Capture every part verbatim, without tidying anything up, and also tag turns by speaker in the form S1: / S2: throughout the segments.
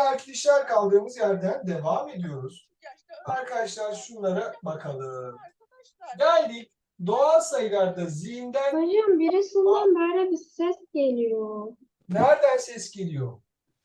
S1: arkadaşlar kaldığımız yerden devam ediyoruz. Arkadaşlar şunlara bakalım. Geldik. Doğal sayılarda zihinden...
S2: Hocam birisinden böyle bir ses geliyor.
S1: Nereden ses geliyor?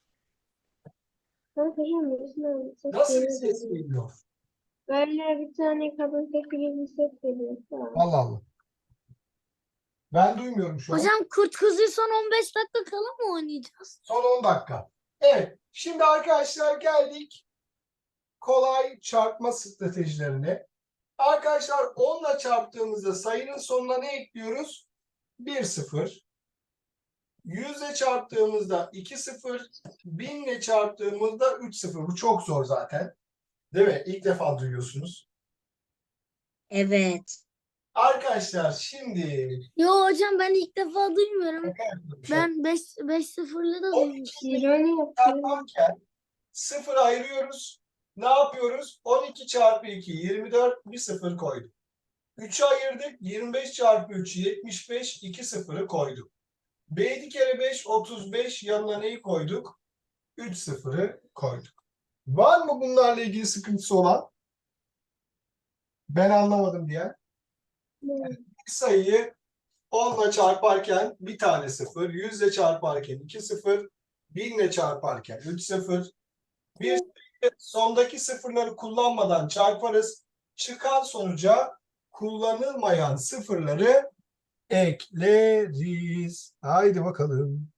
S2: Ha, hocam birisinden bir ses
S1: Nasıl bir
S2: geliyor.
S1: ses
S2: böyle.
S1: geliyor?
S2: Böyle bir tane kadın sesi gibi bir ses geliyor. Tamam.
S1: Allah Allah. Ben duymuyorum şu an.
S3: Hocam Kurt Kuzu'yu son on beş dakika kala mı oynayacağız?
S1: Son on dakika. Evet. Şimdi arkadaşlar geldik kolay çarpma stratejilerine. Arkadaşlar on ile çarptığımızda sayının sonuna ne ekliyoruz? bir sıfır. yüz ile çarptığımızda iki sıfır. bin ile çarptığımızda üç sıfır. Bu çok zor zaten. Değil mi? İlk defa duyuyorsunuz.
S3: Evet.
S1: Arkadaşlar şimdi
S3: Yo hocam ben ilk defa duymuyorum.
S1: şaka yapıyorum.
S3: Ben beş beş sıfırlı da
S1: on
S3: duymuştum.
S1: iki
S2: İroni yapıyor.
S1: çarparken sıfır ayırıyoruz. Ne yapıyoruz? on iki çarpı iki yirmi dört, bir sıfır koyduk. üçü ayırdık. yirmi beş çarpı üç yetmiş beş, iki sıfırı koyduk. yedi kere beş otuz beş, yanına neyi koyduk? üç sıfırı koyduk. Var mı bunlarla ilgili sıkıntısı olan? Ben anlamadım diye. Bir sayıyı on ile çarparken bir tane sıfır, yüz ile çarparken iki sıfır, bin ile çarparken üç sıfır. Bir sayıyı sondaki sıfırları kullanmadan çarparız. Çıkan sonuca kullanılmayan sıfırları ekleriz. Haydi bakalım.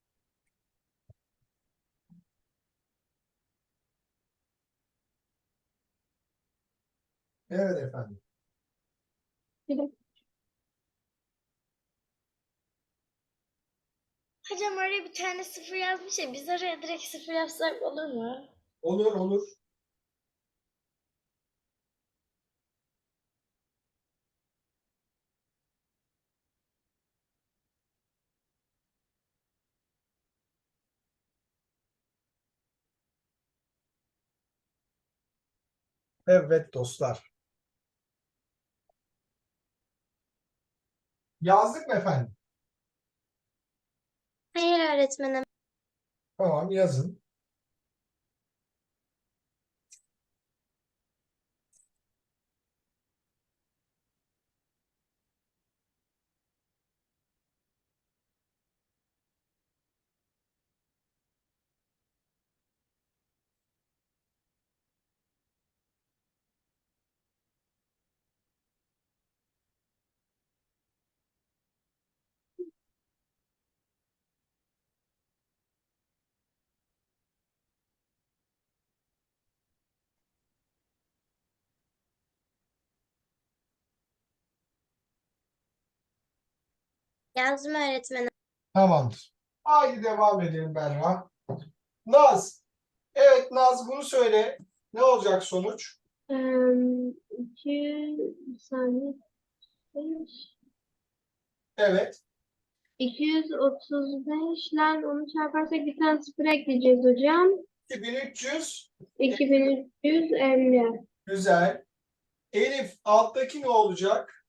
S1: Evet efendim.
S4: Hocam oraya bir tane sıfır yazmış ya, biz oraya direkt sıfır yazsak olur mu?
S1: Olur olur. Evet dostlar. Yazdık mı efendim?
S4: Hayır öğretmenim.
S1: Tamam yazın.
S4: Yazdım öğretmenim.
S1: Tamamdır. Haydi devam edelim Berra. Naz. Evet Naz bunu söyle. Ne olacak sonuç?
S2: Eee, iki bir saniye. beş.
S1: Evet.
S2: iki yüz otuz beş ile onu çarparsak bir tane sıfır ekleyeceğiz hocam.
S1: iki bin üç yüz.
S2: iki bin üç yüz elli.
S1: Güzel. Elif alttaki ne olacak?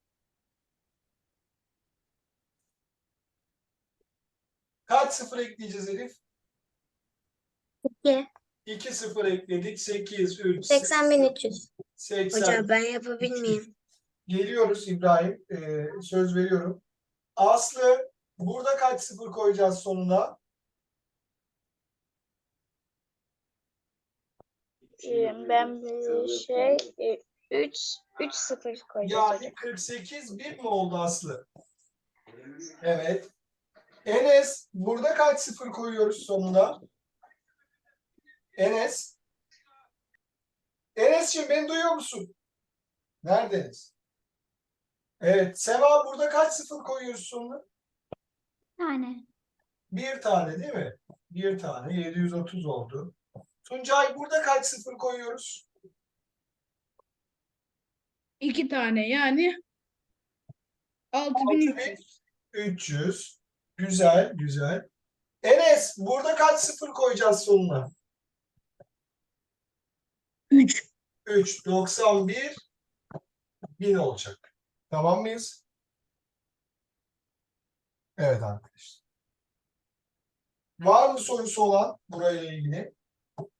S1: Kaç sıfır ekleyeceğiz Elif?
S4: iki.
S1: iki sıfır ekledik. sekiz, üç,
S4: seksen bin üç yüz.
S1: seksen.
S3: Hocam ben yapabilir miyim?
S1: Geliyoruz İbrahim. Ee, söz veriyorum. Aslı burada kaç sıfır koyacağız sonuna?
S4: Ben bir şey üç üç sıfır koyacağız hocam.
S1: Yani kırk sekiz bir mi oldu Aslı? Evet. Enes burada kaç sıfır koyuyoruz sonuna? Enes. Enes'ciğim beni duyuyor musun? Nerede Enes? Evet. Sema burada kaç sıfır koyuyoruz sonuna?
S4: Tane.
S1: Bir tane değil mi? Bir tane. yedi yüz otuz oldu. Tuncay burada kaç sıfır koyuyoruz?
S5: İki tane yani altı bin üç yüz.
S1: üç yüz. Güzel, güzel. Enes burada kaç sıfır koyacağız sonuna?
S5: üç.
S1: üç. doksan bir bin olacak. Tamam mıyız? Evet arkadaşlar. Var mı sorusu olan burayla ilgili?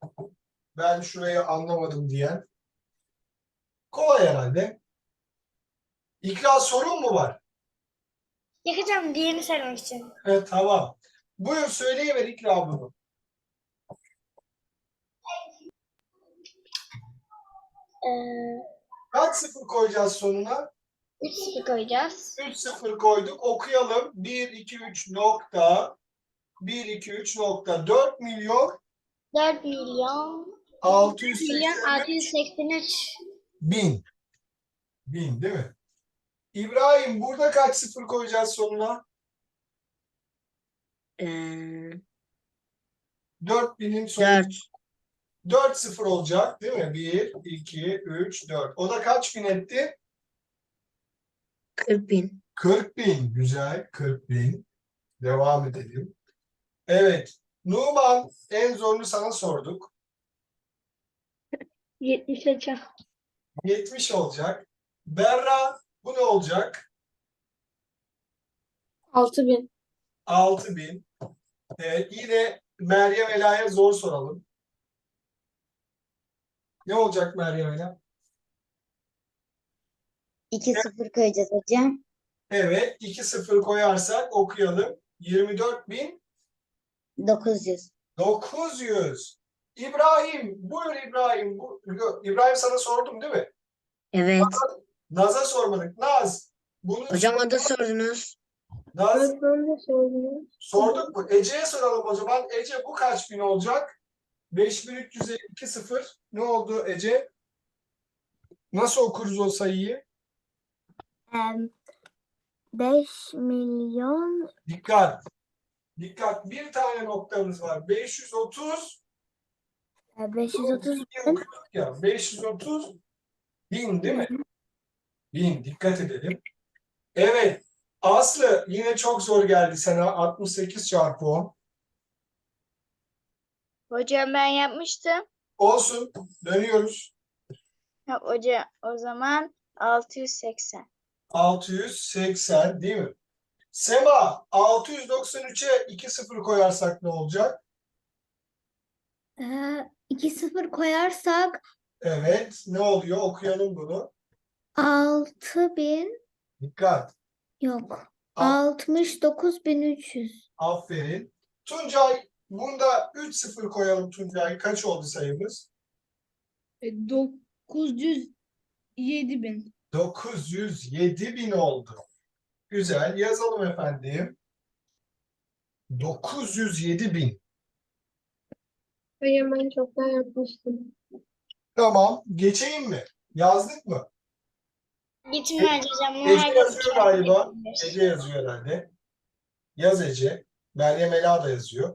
S1: Ben şurayı anlamadım diyen. Kolay herhalde. İkra sorun mu var?
S4: Yakacağım diğerini söylemek için.
S1: Evet, tamam. Buyur söyleyiver İkra bunu.
S4: Ee,
S1: Kaç sıfır koyacağız sonuna?
S4: üç sıfır koyacağız.
S1: üç sıfır koyduk. Okuyalım. bir, iki, üç nokta. bir, iki, üç nokta. dört milyon
S4: dört milyon
S1: altı yüz
S4: milyon
S1: seksen
S4: altı yüz seksen üç.
S1: bin. Bin değil mi? İbrahim burada kaç sıfır koyacağız sonuna?
S3: Ee,
S1: dört binin sonu.
S3: dört.
S1: dört sıfır olacak değil mi? bir, iki, üç, dört. O da kaç bin etti?
S3: kırk bin.
S1: kırk bin. Güzel. kırk bin. Devam edelim. Evet. Numan en zorunu sana sorduk.
S2: yetmiş hocam.
S1: yetmiş olacak. Berra bu ne olacak?
S2: altı bin.
S1: altı bin. Evet. Yine Meryem Ela'ya zor soralım. Ne olacak Meryem Ela?
S6: iki sıfır koyacağız hocam.
S1: Evet. iki sıfır koyarsak okuyalım. yirmi dört bin
S6: dokuz yüz.
S1: dokuz yüz. İbrahim. Buyur İbrahim. Bu, İbrahim sana sordum değil mi?
S3: Evet.
S1: Naz'a sormadık. Naz. Bunu
S3: Hocam o da sordunuz.
S1: Naz
S2: Evet, ben de söyleyeyim.
S1: sorduk mu? Ece'ye soralım o zaman. Ece bu kaç bin olacak? beş bin üç yüz elli iki sıfır. Ne oldu Ece? Nasıl okuruz o sayıyı?
S3: beş milyon
S1: Dikkat. Dikkat. Bir tane noktamız var. beş yüz otuz
S3: beş yüz otuz
S1: diye okuyorduk ya. beş yüz otuz bin değil mi? Bin. Dikkat edelim. Evet. Aslı yine çok zor geldi sana. altmış sekiz çarpı on.
S4: Hocam ben yapmıştım.
S1: Olsun. Dönüyoruz.
S4: Ha, hoca o zaman altı yüz seksen.
S1: altı yüz seksen değil mi? Sema altı yüz doksan üçe iki sıfır koyarsak ne olacak?
S3: iki sıfır koyarsak
S1: Evet. Ne oluyor? Okuyalım bunu.
S3: altı bin
S1: Dikkat.
S3: yok.
S1: A-
S3: altmış dokuz bin üç yüz.
S1: Aferin. Tuncay bunda üç sıfır koyalım Tuncay. Kaç oldu sayımız?
S5: E, dokuz yüz yedi bin.
S1: dokuz yüz yedi bin oldu. Güzel. Yazalım efendim. dokuz yüz yedi bin.
S2: Hocam ben çoktan yapmıştım.
S1: Tamam. Geçeyim mi? Yazdık mı?
S4: Gitmez hocam.
S1: Ece
S4: Her
S1: yazıyor galiba.
S4: gitmez.
S1: Ece yazıyor herhalde. Yaz Ece. Meryem Ela da yazıyor.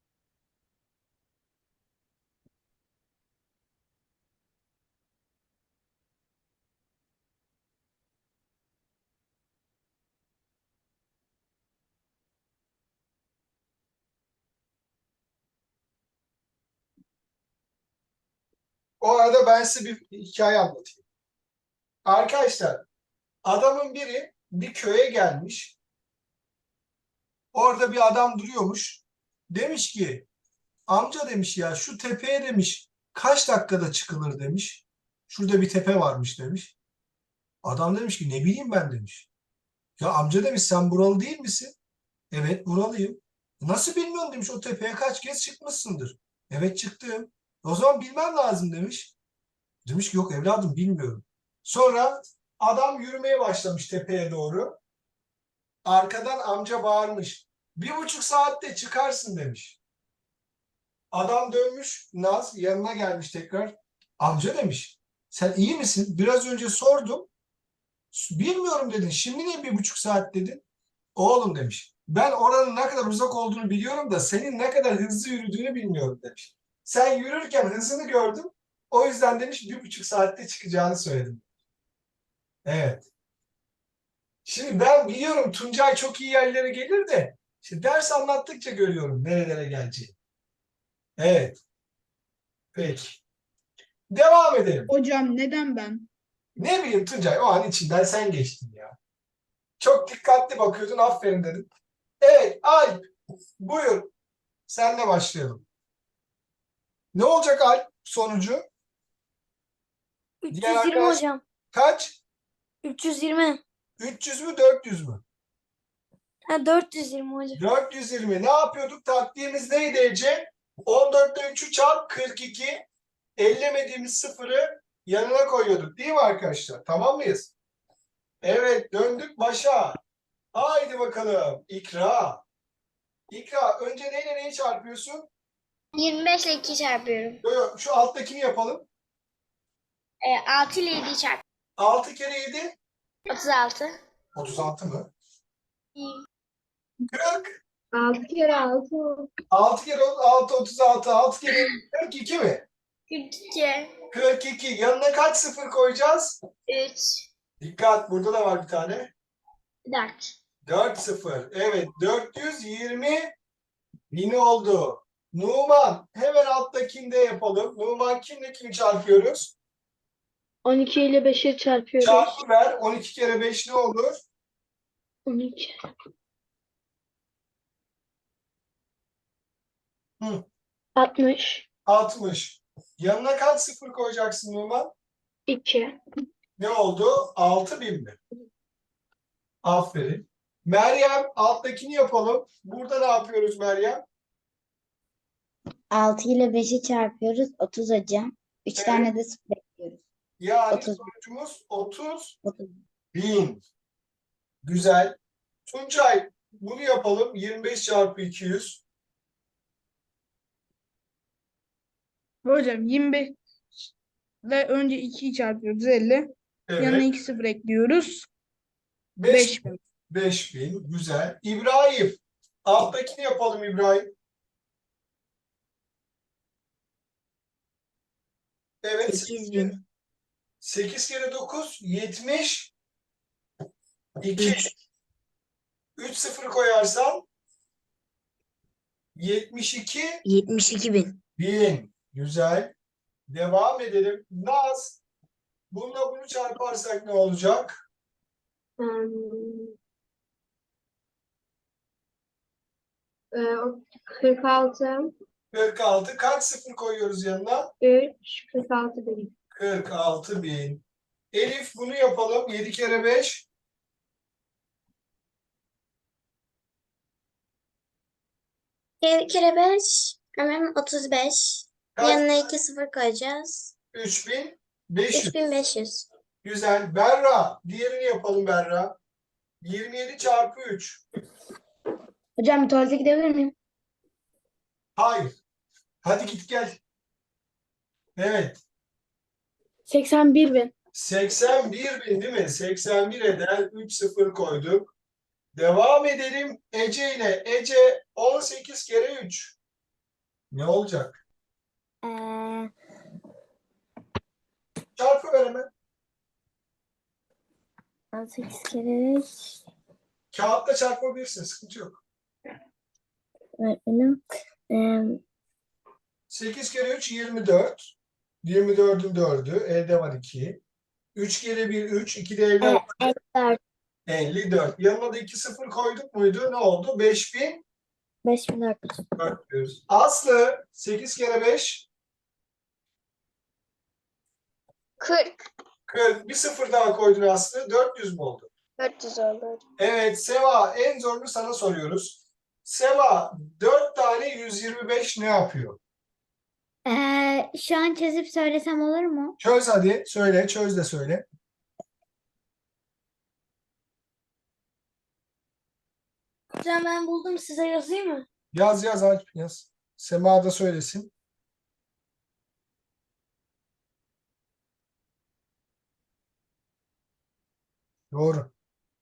S1: O arada ben size bir hikaye anlatayım. Arkadaşlar, adamın biri bir köye gelmiş. Orada bir adam duruyormuş. Demiş ki, amca demiş ya şu tepeye demiş kaç dakikada çıkılır demiş. Şurada bir tepe varmış demiş. Adam demiş ki ne bileyim ben demiş. Ya amca demiş sen buralı değil misin? Evet buralıyım. Nasıl bilmiyorum demiş o tepeye kaç kez çıkmışsındır. Evet çıktım. O zaman bilmem lazım demiş. Demiş ki yok evladım bilmiyorum. Sonra adam yürümeye başlamış tepeye doğru. Arkadan amca bağırmış. Bir buçuk saatte çıkarsın demiş. Adam dönmüş. Naz yanına gelmiş tekrar. Amca demiş. Sen iyi misin? Biraz önce sordum. Bilmiyorum dedin. Şimdi niye bir buçuk saat dedin? Oğlum demiş. Ben oranın ne kadar uzak olduğunu biliyorum da senin ne kadar hızlı yürüdüğünü bilmiyorum demiş. Sen yürürken hızını gördüm. O yüzden demiş bir buçuk saatte çıkacağını söyledim. Evet. Şimdi ben biliyorum Tuncay çok iyi yerlere gelir de işte ders anlattıkça görüyorum nerelere geleceğini. Evet. Peki. Devam edelim.
S5: Hocam neden ben?
S1: Ne bileyim Tuncay o an içinden sen geçtin ya. Çok dikkatli bakıyordun aferin dedim. Evet Alp buyur. Senle başlayalım. Ne olacak Alp? sonucu?
S3: üç yüz
S1: Diğer
S3: yirmi
S1: arkadaş
S3: hocam.
S1: kaç?
S3: üç yüz yirmi.
S1: üç yüz mü dört yüz mü?
S3: Ha, dört yüz yirmi hocam.
S1: dört yüz yirmi. Ne yapıyorduk? Taktiğimiz neydi Ece? on dörtte üçü çarp kırk iki. Ellemediğimiz sıfırı yanına koyuyorduk. Değil mi arkadaşlar? Tamam mıyız? Evet, döndük başa. Haydi bakalım. İkra. İkra, önce neyle neyi çarpıyorsun?
S4: yirmi beş ile iki çarpıyorum.
S1: Yo, yo, şu alttakini yapalım.
S4: E, altı ile yediyi çarp.
S1: altı kere yedi.
S4: otuz altı.
S1: otuz altı mı? kırk.
S2: Altı kere altı.
S1: altı kere altı, otuz altı. altı kere yedi, kırk iki mi?
S4: kırk iki.
S1: kırk iki. Yanına kaç sıfır koyacağız?
S4: üç.
S1: Dikkat, burada da var bir tane.
S4: dört.
S1: dört sıfır. Evet, dört yüz yirmi bin oldu. Numan, hemen alttakinde yapalım. Numan kimle kimi çarpıyoruz?
S2: on iki ile beşi çarpıyoruz.
S1: Çarpı ver. on iki kere beş ne olur?
S2: on iki.
S1: Hı.
S2: altmış.
S1: altmış. Yanına kaç sıfır koyacaksın Numan?
S2: iki.
S1: Ne oldu? altı bin mi? Aferin. Meryem, alttakini yapalım. Burada ne yapıyoruz Meryem?
S6: altı ile beşi çarpıyoruz. otuz hocam. üç
S1: Evet.
S6: tane de sıfır ekliyoruz.
S1: Yani
S6: otuz.
S1: sonucumuz otuz
S6: otuz.
S1: bin. Güzel. Tuncay, bunu yapalım. yirmi beş çarpı iki yüz.
S5: Hocam yirmi beş ile önce ikiyi çarpıyoruz elli. Yanına
S1: Evet.
S5: iki sıfır ekliyoruz.
S1: beş
S5: beş bin.
S1: beş bin. Güzel. İbrahim, alttakini yapalım İbrahim. Evet.
S6: sekiz bin.
S1: sekiz kere dokuz, yetmiş iki. üç sıfır koyarsan yetmiş iki
S6: yetmiş iki bin.
S1: bin. Güzel. Devam edelim. Naz, bununla bunu çarparsak ne olacak?
S2: Hmm. Ee, o- kırk altı.
S1: kırk altı. Kaç sıfır koyuyoruz yanına?
S2: üç. kırk altı bin.
S1: kırk altı bin. Elif, bunu yapalım. yedi kere beş.
S4: yedi kere beş. Hemen otuz beş.
S1: Kaç?
S4: Yanına iki sıfır koyacağız.
S1: üç bin beş yüz.
S4: üç bin beş yüz.
S1: Güzel. Berra, diğerini yapalım Berra. yirmi yedi çarpı üç.
S6: Hocam bir tuvalete gidebilir miyim?
S1: Hayır. Hadi git gel. Evet.
S2: seksen bir bin.
S1: seksen bir bin değil mi? seksen bir eden üç sıfır koyduk. Devam edelim Ece ile. Ece, on sekiz kere üç. Ne olacak?
S4: Ee,
S1: Çarpı ver hemen.
S4: on sekiz kere üç.
S1: Kağıtta çarpabilirsin. Sıkıntı yok.
S4: Öğretmenim. Ee,
S1: sekiz kere üç, yirmi dört. yirmi dördün dördü. Elde var iki. üç kere bir, üç. iki de elde var.
S4: elli dört.
S1: elli dört. Yanına da iki sıfır koyduk muydu? Ne oldu? beş bin
S4: beş bin dört yüz.
S1: dört yüz. Aslı, sekiz kere beş.
S4: kırk.
S1: kırk. Bir sıfır daha koydun Aslı. dört yüz mü oldu?
S4: dört yüz oldu.
S1: Evet Seva, en zorunu sana soruyoruz. Seva, dört tane yüz yirmi beş ne yapıyor?
S3: Ee, şu an çözüp söylesem olur mu?
S1: Çöz hadi. Söyle. Çöz de söyle.
S3: Hocam ben buldum, size yazayım mı?
S1: Yaz yaz Alp yaz. Sema da söylesin. Doğru.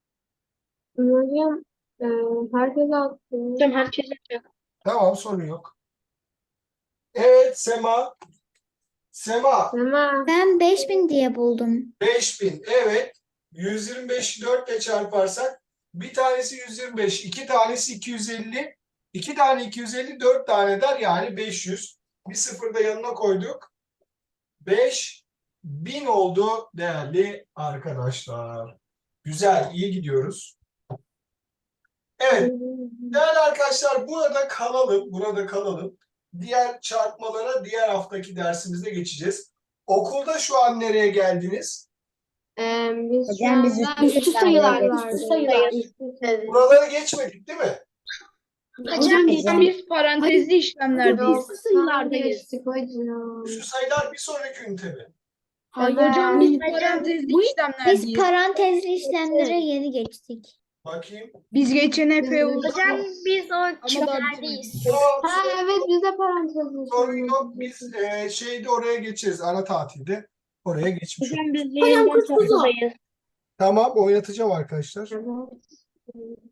S2: Hocam e, herkes attı. Hocam herkes yapacak.
S1: Tamam, sorun yok. Evet Sema. Sema,
S2: Ama
S3: Ben beş bin diye buldum.
S1: beş bin. Evet. yüz yirmi beşi dört ile çarparsak bir tanesi yüz yirmi beş, iki tanesi iki yüz elli, iki tane iki yüz elli, dört tane der yani beş yüz. Bir sıfır da yanına koyduk. beş bin oldu değerli arkadaşlar. Güzel, iyi gidiyoruz. Evet, değerli arkadaşlar burada kalalım, burada kalalım. diğer çarpmalara diğer haftaki dersimizde geçeceğiz. Okulda şu an nereye geldiniz?
S2: Ee, biz şu
S6: Hocam biz
S2: anda
S6: üstü
S2: üstü
S6: sayılar
S2: sayılar
S6: geçtik.
S2: vardı.
S6: Üstü sayılar.
S2: Üstü sayılar.
S1: Buraları geçmedik değil mi?
S3: Hocam biz
S6: Hocam.
S5: Biz parantezli işlemlerdeyiz.
S2: Yok, sayılardayız. Geçtik hocam.
S1: Şu sayılar bir sonraki ünite mi?
S5: Hayır
S2: Evet.
S5: hocam biz parantezli işlemlerdeyiz.
S3: biz parantezli işlemlere yeni geçtik.
S1: Bakayım.
S5: Biz geçen epey oldu.
S4: Hocam biz o
S5: daha
S4: küplerdeyiz.
S1: Tamam,
S2: Ha evet biz de parantez
S1: sorun yok. Biz e, şeyde oraya geçeriz. Ara tatilde. Oraya geçmiş oluruz.
S3: biz yeniden
S2: kurtuldu.
S1: Tamam, oynatacağım arkadaşlar.
S2: Evet.